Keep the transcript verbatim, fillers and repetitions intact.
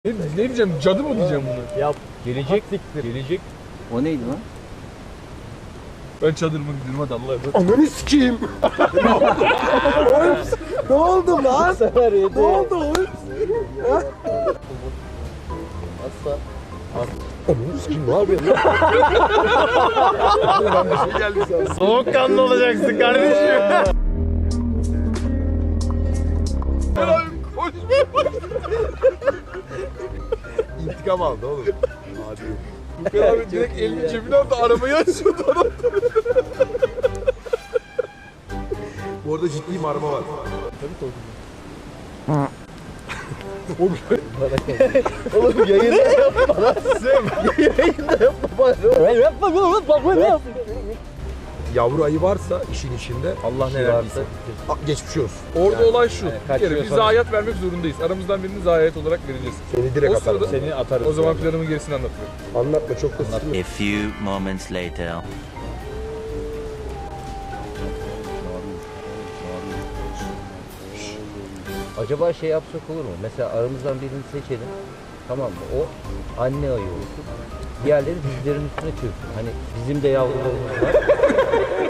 Ne, ne diyeceğim? Cadı mı diyeceğim bunu? Yap. Gelecek diktir. Gelecek. O neydi lan? Ben çadırıma gidiyorum hadi Allah'a emanet. Ananı sikeyim. Ne oldu lan? Sefer yedi. Ne oldu oğlum? Asla. Ananı sikeyim ne yapıyorsun lan? Ben bir şey geldi sana. Soğukkanlı olacaksın kardeşim. İntikam aldı oğlum. Hadi. Furkan abi direkt elini cebine aldı arabayı açıyordu adam. Bu arada ciddi marma var. Oğlum yayında yapma lan. Yayında yapma bana. Yapma oğlum yapma ne yapma. Yavru ayı varsa işin içinde Allah ne verdiyse. a, geçmiş olsun. Orada olay şu. yani Bir kaçıyor kere biz sonra. zayiat vermek zorundayız. Aramızdan birini zayiat olarak vereceğiz. Seni direkt O atarım. sırada- Seni atarız. O zaman planımın gerisini anlatıyorum. Anlatma çok da sıkıntı. A few moments later. Acaba şey yapsak olur mu? Mesela aramızdan birini seçelim. Tamam mı? O anne ayı olsun. Diğerleri dizlerin üstüne çöksün. Hani bizim de yavrularımız var.